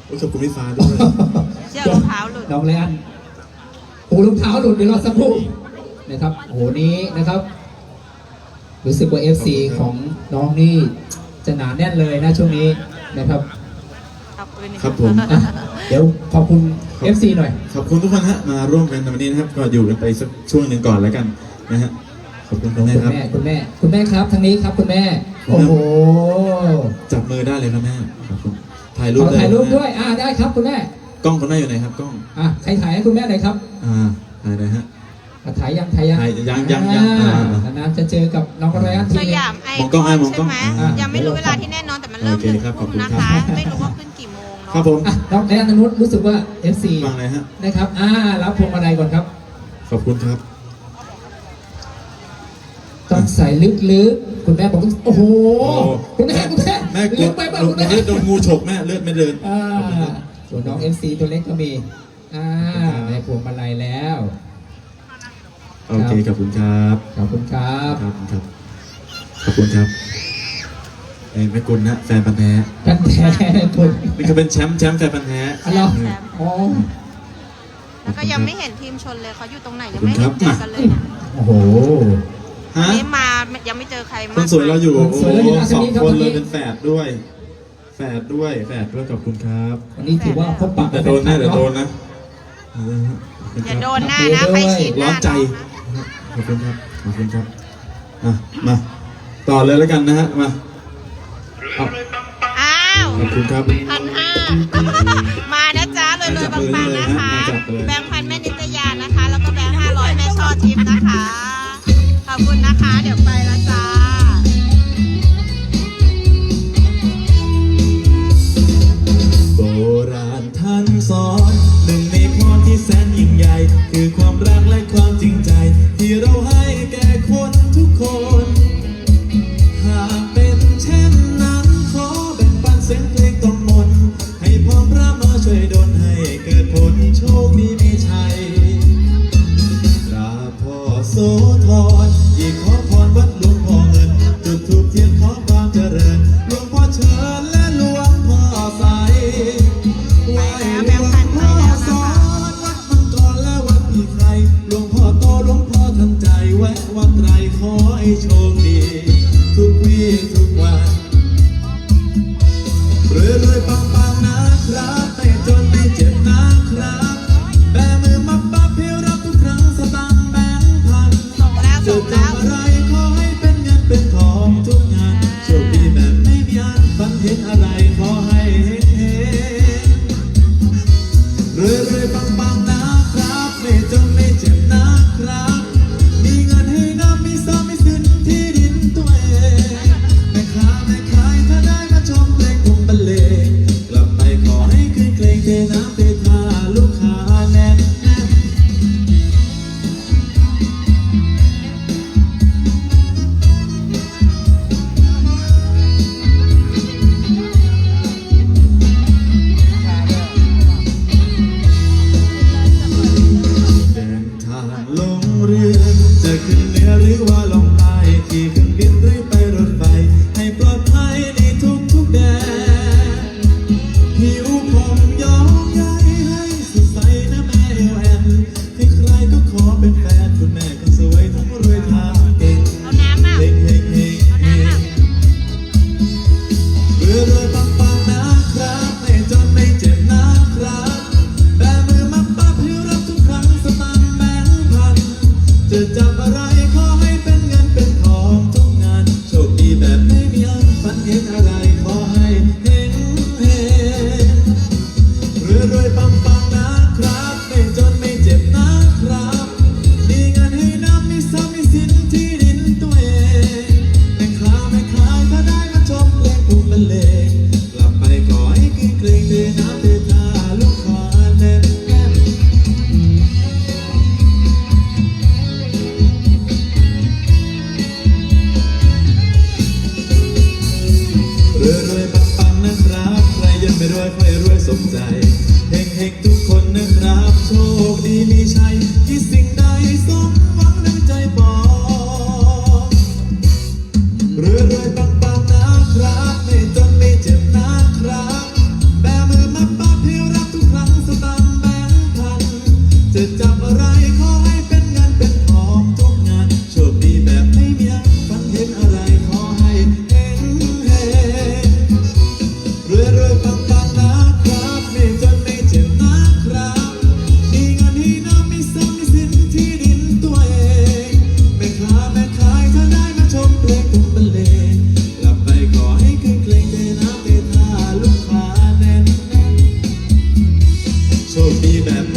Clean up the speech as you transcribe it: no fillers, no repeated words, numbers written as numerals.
ขอบคุณพี่ฟ้าด้วยเชือกรองเท้าหลุดน้องแลนปูรองเท้าหลุดเดี๋ยวรอสักครู่นะครับโอ้โหนี้นะครับ รู้สึกว่า FC ของน้องนี่จะหนาแน่นเลยนะช่วงนี้นะครับครับผมอ่ะเดี๋ยวขอบคุณ FC หน่อยขอบคุณทุกคนฮะมาร่วมกันในวันนี้นะครับก็อยู่กันไปสักช่วงหนึ่งก่อนแล้วกันนะฮะขอบคุณคุณแม่ครับคุณแม่ครับทางนี้ครับคุณแม่โอ้โหจับมือได้เลยครับแม่ขอบคุณถ่ายรูขปอถ่ายรูปด้วยได้ครับคุณแม่กล้องคุณแม่อยู่ไหนครับกล้องใครถ่ายให้คุณแม่หน่อยครับถ่ายเลยฮะถ่ายยังถ่ายยังยังนานๆจะเจอกับน้องแรนทีสยามไอมองกล้องคอนมองกล้ใช่องไหมยังไม่รู้เวลาที่แน่นอนแต่มันเริ่มโอเค 1 ครับขอบทุ่มคุณนะครัคะบไม่รู้ว่าขึ้นกี่โมงครับผมน้องแรนอนุชรู้สึกว่า FC ฟังเลยฮะนะครับรับพวงมาลัยก่อนครับขอบคุณครับต้องใส่ลึกๆคุณแม่บอกต้องโอ้โหคุณแม่แม่กลึดกไปป่ะลูคุกณแม่เลือดโดนงูฉกแม่เลือดไม่เดินส่วนน้อง FC ตัวเล็กก็มีได้พวงมาลัยแล้วโอเคขอบคุณครับขอบคุณครับครับครับขอบคุณครับแม่กุลนะแฟนพันธุ์แท้กันแท้คุณนี่ก็เป็นแชมป์แฟนพันธุ์แท้อะไรอ๋อแล้วก็ยังไม่เห็นทีมชนเลยเขาอยู่ตรงไหนยังไม่เห็นเจอกันเลยเนี่ยโอ้โหฮะนี่มายังไม่เจอใครคมานสวยเราอยู่คนสวยเราอยู่สองทางนี้ครับคนเลยทางนี้เป็นแฝดด้วยแฝดด้วยขอบคุณครับวันนี้ถือว่าพบปะแต่โดนนะเดี๋ยวโดนนะอย่าโดนหน้านะใครฉีดหร้อน้านใจขอบคุณครับขอบคุณครับมาต่อเลยแล้วกันนะฮะมาเอาอ้าวขอบคุณครับ 1,500มานะจ๊ะรวยๆปังๆนะคะ แบงค์พันแม่นิตยานะคะ แล้วก็แบงค์500แม่ช่อทิพย์นะคะ ขอบคุณนะคะ เดี๋ยวไปแล้วจ้าโบราณท่านสอนหนึ่งในพรที่แสนยิ่งใหญ่ คือความรักและความจริงใจ ที่เราให้แก่คนทุกคน หากเป็นเช่นนั้นขอแบ่งปันเสียงเพลงต้องมนต์ให้พรพระมาช่วยดลให้เกิดผลโชคดีมีชัยกราบพ่อโสธรอีกขอพรวัดหลวงพ่อเงินจุดธูปเทียนขอความเจริญหลวงพ่อเชิญและหลวงพ่อใสไหว้หลวงพ่อสอนวัดมังกรและวัดพี่ไครหลวงพ่อโตหลวงพ่อทันใจแวะวัดไรขอให้โชคดีทุกวี่ทุกวันรวยๆปังๆนะครับไม่จนไม่เจ็บนะครับแบมือมาปั๊บเพียวรับทุกครั้งสตางค์แบงค์พันส่งแล้วจะส่งแล้วทำอะไรขอให้เป็นเงินเป็นทองทุกงานโชคดีแบบไม่มีอันฝันเห็นอะไรขอให้เห็นรวยๆปังๆนะครับไม่จนไม่เจ็บนะครับมีเงินให้น้ำมีทรัพย์มีสินที่ดินตัวเองแม่ค้าแม่ขายถ้าได้มาชมเพลงผมบรรเลงกลับไปขอให้คืนเกรงเทน้ำเทท่าลูกค้าแน่นเดินทางลงเรือจะขึ้นเหนือหรือว่าลงใต้ขี่เครื่องบินหรือไปรถไฟให้ปลอดภัยในทุกแดนผิวผมย้อมใยให้สดใสนะแม่เอวแอนใครๆก็ขอเป็นแฟนคุณแม่ก็สวยทั้งรวยทั้งเก่งเอาน้ำอ่ะเฮงเฮงเฮงเอาน้ำอ่ะรวยปังๆนะครับไม่จนไม่เจ็บนะครับแบมือมาปั๊บให้รับทุกครั้งสตางค์แบงค์พันจะจับอะไรขอให้เป็นเงินเป็นทองทุกงานโชคดีแบบไม่มีอันฝันเห็นอะไรขอให้เห็นรวยปังๆนะครับไม่จนไม่เจ็บนะครับมีเงินให้น้ำมีทรัพย์มีสินที่ดินตัวเองแม่ค้าแม่ขายถ้าได้มาชมเพลงผมบรรเลงกลับไปขอให้กินเกรงเทน้ำเทท่าลูกค้าแน่นแน่นรวยปังๆนะครับใครยังไม่รวยค่อยรวยสมใจเฮงๆทุกคนนะครับโชคดีมีชัยคิดสิ่งใดสมหวังดังใจปองรวยปังๆนะครับไม่จนไม่เจ็บนะครับแบมือมาปั๊บคดีแบบ